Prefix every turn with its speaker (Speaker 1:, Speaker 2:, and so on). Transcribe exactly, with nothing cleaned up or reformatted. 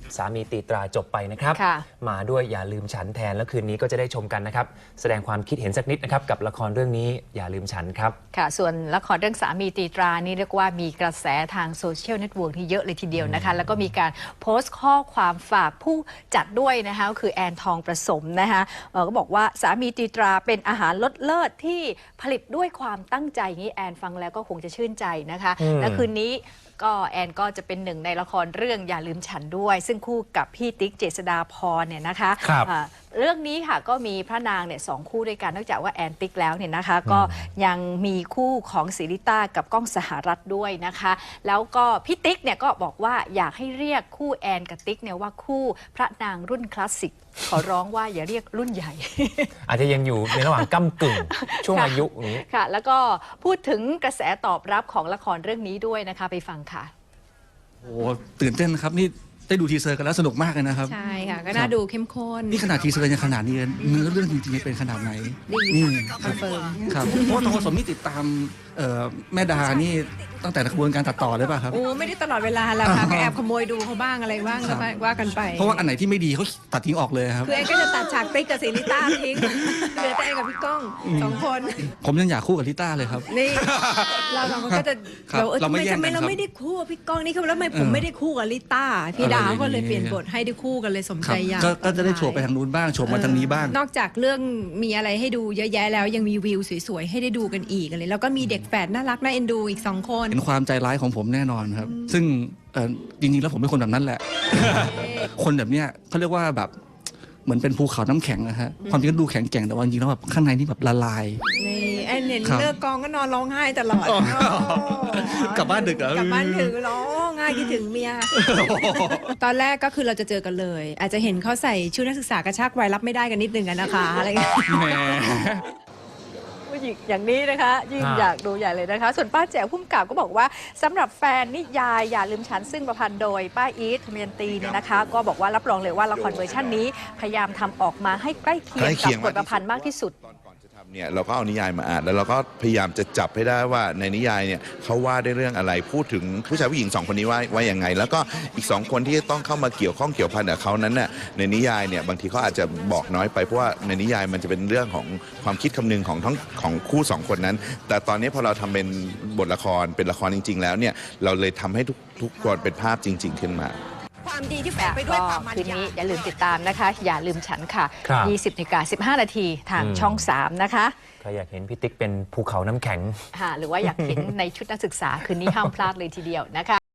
Speaker 1: สามีตีตราจบไปนะครับมาด้วยอย่าลืมฉันแทนแล้วคืนนี้ก็จะได้ชมกันนะครับแสดงความคิดเห็นสักนิดนะครับกับละครเรื่องนี้อย่าลืมฉันครับ
Speaker 2: ค่ะส่วนละครเรื่องสามีตีตรานี่เรียกว่ามีกระแสทางโซเชียลเน็ตเวิร์กที่เยอะเลยทีเดียวนะคะแล้วก็มีการโพสต์ข้อความฝากผู้จัดด้วยนะคะก็คือแอนทองประสมนะคะก็บอกว่าสามีตีตราเป็นอาหารรสเลิศที่ผลิตด้วยความตั้งใจนี้แอนฟังแล้วก็คงจะชื่นใจนะคะและคืนนี้ก็แอนก็จะเป็นหนึ่งในละครเรื่องอย่าลืมฉันด้วยซึ่งคู่กับพี่ติ๊กเจษฎาพรเนี่ยนะคะเรื่องนี้ค่ะก็มีพระนางเนี่ยสองคู่ด้วยกันนอกจากว่าแอนติ๊กแล้วเนี่ยนะคะก็ยังมีคู่ของศิริต้ากับก้องสหรัฐด้วยนะคะแล้วก็พี่ติ๊กเนี่ยก็บอกว่าอยากให้เรียกคู่แอนกับติ๊กเนี่ยว่าคู่พระนางรุ่นคลาสสิกขอร้องว่าอย่าเรียกรุ่นใหญ่
Speaker 1: อาจจะยังอยู่ในระหว่างก้ำกึ่งช่วงอายุนี้
Speaker 2: ค่ะแล้วก็พูดถึงกระแสตอบรับของละครเรื่องนี้ด้วยนะคะไปฟังค่ะ
Speaker 3: โอ้ตื่นเต้นนะครับนี่ได้ดูทีเซอร์กันแล้วสนุกมากเลยนะครับ
Speaker 4: ใช่ค่ะก็น่าดูเข้มข้น
Speaker 3: นี่ขนาดทีเซอร์ยังขนาดนี้เนื้อเรื่องจริงๆเป็นขนาดไหน
Speaker 4: นี่คอนเฟิร์ม
Speaker 3: ครับเพราะว่าทองผสมนี่ติดตามแม่ดานี่ตั้งแต่กระบวนการตัดต่อเลยป่ะครับ
Speaker 4: โอ้ไม่ได้ตลอดเวลาแล้วค่ะก็แอบขโมยดูเขาบ้างอะไรบ้างว่ากันไป
Speaker 3: เพราะว่าอันไหนที่ไม่ดีเขาตัดทิ้งออกเลยครับ
Speaker 4: คือแอนก็จะตัดฉากติ๊กกับศิริต้าทิ้งเหลือแต่แอนกับพี่ก้องสองคน
Speaker 3: ผมยังอยากคู่กับลิต้าเลยครับ
Speaker 4: นี่เราสองคนก็จะเราไม่ทำไมเราไม่ได้คู่กับพี่ก้องนี่คือแล้วทำไมผมไม่ได้คู่กับลิต้าพี่ดาวก็เลยเปลี่ยนบทให้ได้คู่กันเลยสมใจอยาก
Speaker 3: ก็จะได้โฉบไปทางนู้นบ้างโฉบมาทางนี้บ้าง
Speaker 4: นอกจากเรื่องมีอะไรให้ดูเยอะแยะแล้วยังมีวิวสวยๆให้ได้ดูกันอีกเลยแล้วก็มีเด็กแฝดน่ารักน่าเอ็นดูอีกสองคน
Speaker 3: เป็นความใจร้ายของผมแน่นอนครับซึ่งจริงๆแล้วผมเป็นคนแบบนั้นแหละคนแบบเนี้ยเขาเรียกว่าแบบเหมือนเป็นภูเขาน้ำแข็งนะฮะความจริงก็ดูแข็งแกร่งแต่ว่าจริงๆแล้วแบบข้างในนี่แบบละลาย
Speaker 4: นี่แอนเห็นเลิกกองก็นอนร้องไห้ตลอด
Speaker 3: กลับบ้านดึกเหรอก
Speaker 4: ลับบ้านถึงร้องไห้คิดถึงเมียตอนแรกก็คือเราจะเจอกันเลยอาจจะเห็นเขาใส่ชุดนักศึกษากระชากวัยรับไม่ได้กันนิดนึงกันนะคะอะไรเงี้ยอย่างนี้นะคะยิ่งอยากดูใหญ่เลยนะคะส่วนป้าแจ๋วพุ่มกับก็บอกว่าสำหรับแฟนนิยายอย่าลืมฉันซึ่งประพันธ์โดยป้าอีทเมียนตีเนี่ยนะคะก็บอกว่ารับรองเลยว่าละครเวอร์ชันนี้พยายามทำออกมาให้ใกล้เคียงกับบทประพันธ์มากที่สุด
Speaker 5: เนี่ยเราก็เอานิยายมาอ่านแล้วเราก็พยายามจะจับให้ได้ว่าในนิยายเนี่ยเขาว่าได้เรื่องอะไรพูดถึงผู้ชายผู้หญิงสองคนนี้ว่าว่าอย่างไงแล้วก็อีกสองคนที่ต้องเข้ามาเกี่ยวข้องเกี่ยวพันกับเขานั้นน่ะในนิยายเนี่ยบางทีเขาอาจจะบอกน้อยไปเพราะว่าในนิยายมันจะเป็นเรื่องของความคิดคำนึงของทั้งของคู่สองคนนั้นแต่ตอนนี้พอเราทำเป็นบทละครเป็นละครจริงๆแล้วเนี่ยเราเลยทำให้ทุกทุกคนเป็นภาพจริง ๆขึ้นมา
Speaker 2: ความดีที่แฝงไปด้วยความมันคืนนี้อย่าลืมติดตามนะคะอย่าลืมฉันค่ะยี่สิบนาฬิกาสิบห้านาทีทางช่องสามนะคะ
Speaker 1: ใครอยากเห็นพี่ติ๊กเป็นภูเขาน้ำแข็ง
Speaker 2: หรือว่าอยากเห็นในชุดนักศึกษาคืนนี้ห้ามพลาดเลยทีเดียวนะคะ